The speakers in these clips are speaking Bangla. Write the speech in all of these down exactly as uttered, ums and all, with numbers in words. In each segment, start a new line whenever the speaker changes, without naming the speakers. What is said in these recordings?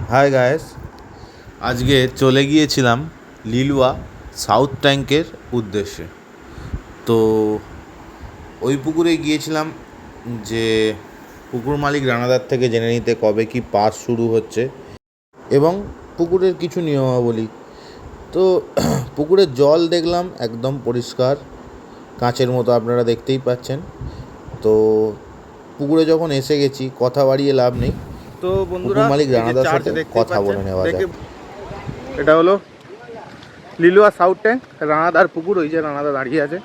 হাই গায়েস, আজকে চলে গিয়েছিলাম লিলুয়া সাউথ ট্যাঙ্কের উদ্দেশ্যে। তো ওই পুকুরে গিয়েছিলাম যে পুকুর মালিক রানাদার থেকে জেনে নিতে কবে কি পাস শুরু হচ্ছে এবং পুকুরের কিছু নিয়মাবলী। তো পুকুরের জল দেখলাম একদম পরিষ্কার কাঁচের মতো, আপনারা দেখতেই পাচ্ছেন। তো পুকুরে যখন এসে গেছি, কথা বাড়িয়ে লাভ নেই।
তো বন্ধুরা,
পুকুর মালিক রানাদার সাথে কথা বলে নেওয়া যাক।
এটা হলো লিলুয়া সাউথ ট্যাঙ্ক, রানাদার পুকুর। ওই যে রানাদা দাঁড়িয়ে আছে,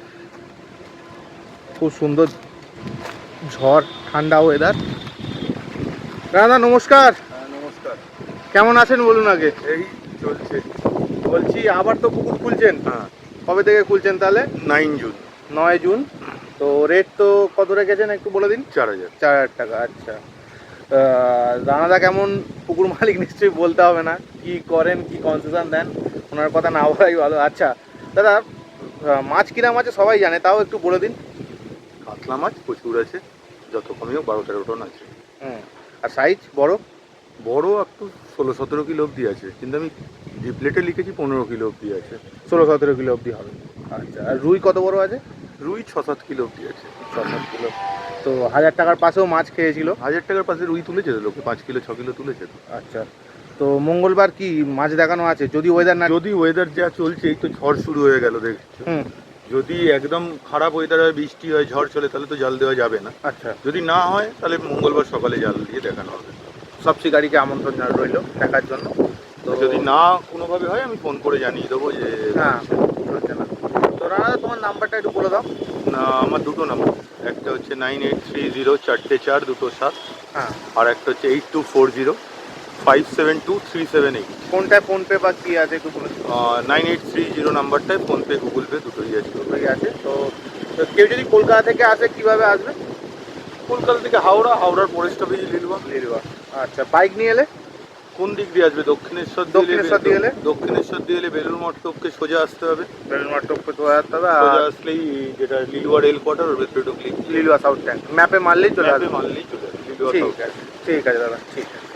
খুব সুন্দর ঝড়, ঠান্ডা ওয়েদার। রানাদা নমস্কার।
নমস্কার।
কেমন আছেন বলুন আগে।
এই চলছে।
বলছি আবার তো পুকুর খুলছেন?
হ্যাঁ,
কবে থেকে খুলছেন তাহলে?
Nine June.
নয় জুন। তো রেট তো কত রেখেছেন একটু বলে দিন।
চার হাজার
চার হাজার টাকা। আচ্ছা, রানাদা কেমন পুকুর মালিক নিশ্চয়ই বলতে হবে না, কি করেন, কি কনসেশন দেন, ওনার কথা না বলাই ভালো। আচ্ছা দাদা, মাছ কিরাম আছে সবাই জানে, তাও একটু বলে দিন।
কাতলা মাছ প্রচুর আছে, যত কমেও বারো তেরো টন আছে।
হুম, আর সাইজ বড়?
বড় একটু ষোলো সতেরো কিলো অবধি আছে, কিন্তু আমি ডিপ্লেটে লিখেছি পনেরো কিলো অবধি আছে।
ষোলো সতেরো কিলো অবধি হবে। আচ্ছা, আর রুই কত বড় আছে?
রুই ছ সাত কিলো অবধি আছে।
ছ সাত কিলো। তো হাজার টাকার পাশেও মাছ খেয়েছিল।
হাজার টাকার পাশে রুই তুলেছে তো, লোকে পাঁচ কিলো ছ কিলো তুলেছে তো।
আচ্ছা, তো মঙ্গলবার কি মাছ দেখানো আছে? যদি ওয়েদার না,
যদি ওয়েদার যা চলছে, এই তো ঝড় শুরু হয়ে গেল দেখছো।
হুম,
যদি একদম খারাপ ওয়েদার হয়, বৃষ্টি হয়, ঝড় চলে, তাহলে তো জাল দেওয়া যাবে না।
আচ্ছা,
যদি না হয় তাহলে মঙ্গলবার সকালে জাল দিয়ে দেখানো হবে।
সব শিকারীকে আমন্ত্রণ রইল দেখার জন্য।
তো যদি না কোনোভাবে হয়, আমি ফোন করে জানিয়ে দেবো যে
হ্যাঁ, চলছে না। তো রানাদা, তোমার নাম্বারটা একটু বলে দাও।
না, আমার দুটো নাম্বার, একটা হচ্ছে নাইন এইট থ্রি জিরো চারটে চার দুটো সাত,
হ্যাঁ,
আর একটা হচ্ছে eight two four zero five seven two three seven eight.
কোনটায় ফোনপে বা কি আছে একটু বলে দিন।
নাইন এইট থ্রি জিরো নাম্বারটায় ফোনপে গুগল পে দুটোই আছে।
দুটোই আছে। তো তো কেউ যদি কলকাতা থেকে আসে কিভাবে আসবে?
কলকাতা থেকে হাওড়া, হাওড়ার পরে স্টপেজ লিলুয়া।
লিলুয়া। আচ্ছা, বাইক নিয়ে এলে?
কোন দিক দিয়ে আসবে? দক্ষিণেশ্বর দিয়ে এলে-
দক্ষিণেশ্বর দিয়ে এলে?
দক্ষিণেশ্বর দিয়ে এলে বেলুর মঠ টপকে সোজা আসতে হবে।
বেলুন মাঠ টপকে চলে আসতে হবে।
সোজা
আর
আসলেই যেটা লিলুয়া রেল কোয়ার্টার, ওর ভেতরে ঢুকলেই
লিলুয়া সাউথ ট্যাঙ্ক ম্যাপে মারলেই চলে আসবে।
মানলেই চলে আসবে লিলুয়া
ঠিক
সাউথ।
আছে, ঠিক আছে দাদা, ঠিক আছে।